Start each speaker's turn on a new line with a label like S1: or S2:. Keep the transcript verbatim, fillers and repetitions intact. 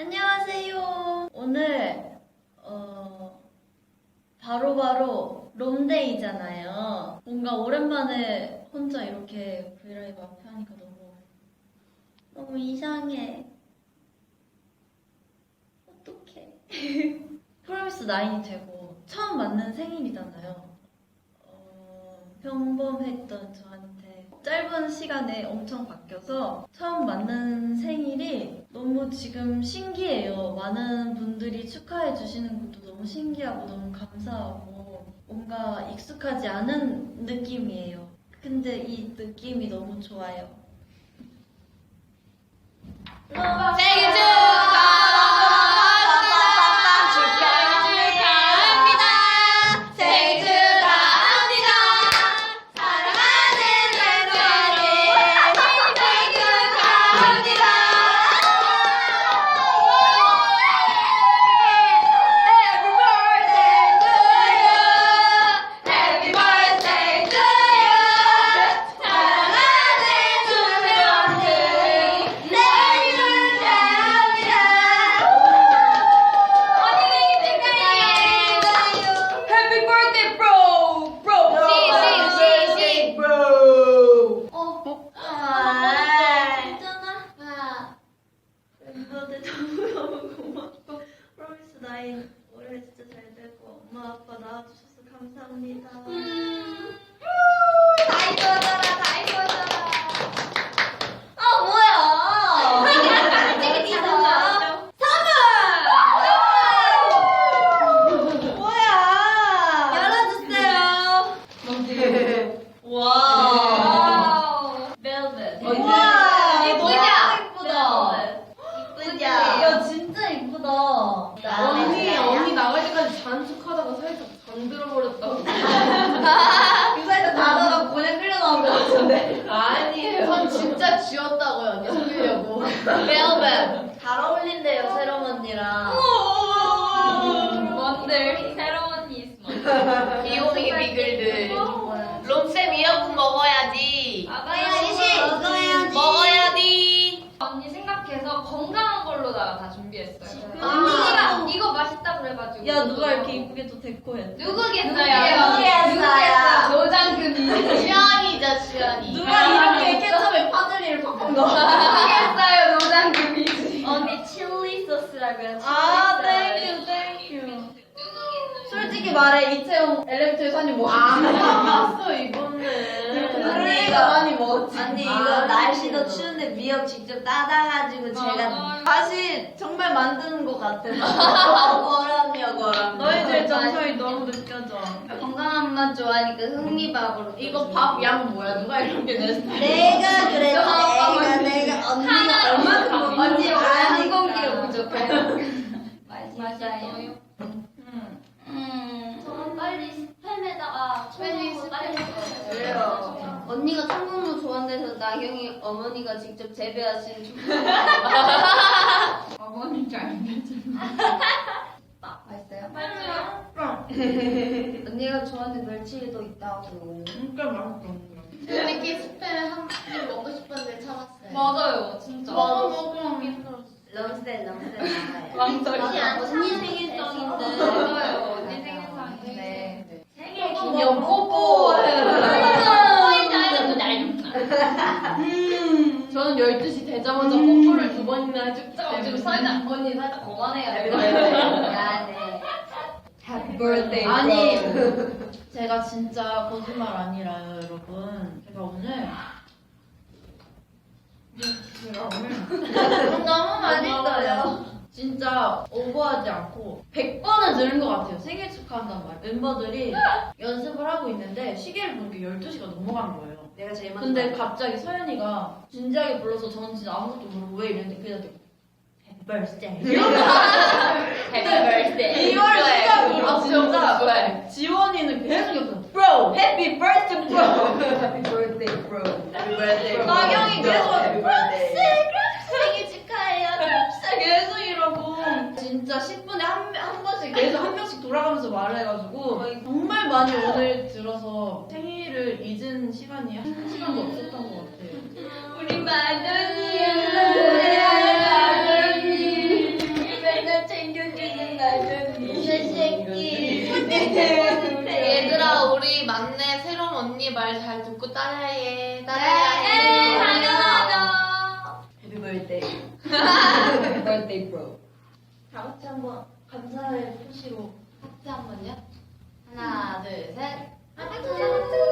S1: 안녕하세요. 오늘 어 바로바로 롬데이잖아요. 뭔가 오랜만에 혼자 이렇게 브이라이브 앞에 하니까 너무 너무 이상해. 어떡해. 프로미스 나인이 되고 처음 맞는 생일이잖아요. 어, 평범했던 저한테 짧은 시간에 엄청 바뀌어서 처음 맞는 생일이 너무 지금 신기해요. 많은 분들이 축하해 주시는 것도 너무 신기하고 너무 감사하고 뭔가 익숙하지 않은 느낌이에요. 근데 이 느낌이 너무 좋아요.
S2: 생일 축하합니다. 축하합니다. 생일 축하합니다. 사랑하는 랜선이 생일 축하합니다. Happy birthday to you. Happy birthday to you. 사랑하는 주명이 생일 축하합니다. 언니 생일 축하해요. Happy birthday, bro. Bro. 시, 시, 시, 시.
S3: bro.
S1: 어,
S2: 아.
S1: 있잖아. 멤버들 너무 너무 고맙고 프로미스 나인 올해 진짜 잘 되고 엄마 아빠 낳아주셔서 감사합니다.
S2: 음. 다 이뻐져라, 다 이뻐져라.
S1: 아 뭐야?
S2: 찍기
S1: 선물! 뭐야? 열어주세요. 와.
S2: 와우.
S1: 벨벳.
S3: 언니.
S1: 와.
S2: 예쁘다.
S1: 예쁘다.
S2: 예쁘다.
S1: 야 진짜 예쁘다.
S3: 언니, 언니 나갈 때까지 잔숙하다가 살짝 잠들어 버렸다고.
S1: 그 사이에 다다가 그냥 끌려 나온 것 같은데.
S3: 아니에요. 전 진짜 지웠다고요, 언니 속이려고.
S1: 벨벳. 잘 어울린대요 새롬 언니랑.
S2: 뭔들 새로운 이스마.
S3: 귀요미 비글들. 롬쌤 이어폰 먹어야지.
S2: 먹어야지.
S1: 먹어야지.
S3: 먹어야지.
S2: 언니 생각해서 건강한 걸로다가 다 준비했어요.
S1: 언니가
S2: 언니가 이거 맛있다 그래가지고.
S1: 야 누가 이렇게 이쁘게 또 데코했어?
S2: 누구겠어요?
S1: 누구겠어요?
S2: 누구겠어요? 노장금이.
S3: 주연이죠, 주연이.
S1: 누가 이렇게 케첩에 파들리를 바꾼 거?
S2: 누구겠어요? 노장금이지.
S1: 언니 칠리 소스라고 해서.
S2: 아,
S1: 땡큐 땡큐. 솔직히 말해 이채용 엘리베이터에서 한입 먹었지.
S3: 안 먹었어, 이번에.
S1: 언니가
S3: 많이 먹었지.
S1: 언니 이거
S3: 아,
S1: 날씨도 추운데 미역 직접 따다가지고 제가
S2: 아.
S1: 다시 정말 만드는 것 같아서.
S3: 거람요, 거람.
S1: 너희들 정서이 너무 느껴져.
S2: 건강한 맛 좋아하니까 흥미밥으로.
S3: 이거 밥 양 뭐야? 누가 이렇게 냈어?
S1: 내가 그랬어.
S2: 아,
S1: 내가
S2: 언니.
S1: 내가 언니가
S2: 하나
S1: 얼마큼
S2: 언니
S1: 먹는지
S2: 원래 한
S1: 아니까.
S2: 공기로 부족해. 맛있어요. 음.
S4: 저는 빨리 스팸에다가
S2: 빨리
S4: 청국을 빨리 먹어요.
S1: 그래요.
S4: 언니가 청국물 좋아한대서 나경이 어머니가 직접 재배하신 청국물.
S2: 어머니 잘 되지.
S4: 맛있어요?
S2: 맞아요.
S4: 언니가 좋아하는 멸치도 있다고.
S3: 진짜 맛있어.
S4: 우리끼리 스팸에 한입 먹고 싶었는데 참았어요.
S2: 맞아요, 진짜.
S3: 먹어, 먹어.
S1: 럼스텐 럼스텐 나가요.
S2: 왕절이
S4: 언니
S2: 안
S4: 언니 생일성인데.
S2: 맞아요, 언니 생일상인데.
S4: 생일
S3: 기념 뽀뽀. 저는 열두 시 되자마자 뽀뽀를 두 번이나 해줬기 때문에.
S2: 지금 살짝 언니 살짝 거만해요.
S4: 미안해.
S1: Happy birthday.
S5: 아니 제가 진짜 거짓말 아니라요 여러분. 제가 오늘 제가 오늘
S1: 너무 맛있어요.
S5: 진짜 오버하지 않고 백 번은 들은 것 같아요. 생일 축하한다는 말. 멤버들이 연습을 하고 있는데 시계를 보니까 열두 시가 넘어간 거예요.
S1: 내가 제일 먼저.
S5: 근데 갑자기 서연이가 진지하게 불러서 저는 진짜 아무것도 모르고 왜 이랬는데 그냥 Happy birthday
S2: 해피 birthday.
S5: 이걸 시작으로
S3: 아,
S5: 진짜
S3: 좋아해.
S5: 지원이는 계속 옆에서 Bro! Happy birthday bro!
S1: Happy birthday bro. Happy birthday.
S5: 나경이 계속
S1: Happy birthday.
S4: 생일 축하해요.
S5: 계속 이러고 진짜 십 분에 한, 한 번씩 계속 한 명씩 돌아가면서 말을 해가지고 정말 많이 오늘 들어서 생일을 잊은 시간이 한 시간도 없었던 것 같아요.
S2: 우리 마누님.
S4: 우리 마누님.
S3: 실험 언니 말 잘 듣고 따라해.
S4: 네,
S3: 따라해.
S4: 당연하죠.
S2: Happy birthday. Happy birthday, bro.
S5: 다 같이 한번 감사의 표시로
S3: 하트 한 번요.
S4: 하나, 둘, 셋.
S3: 하트.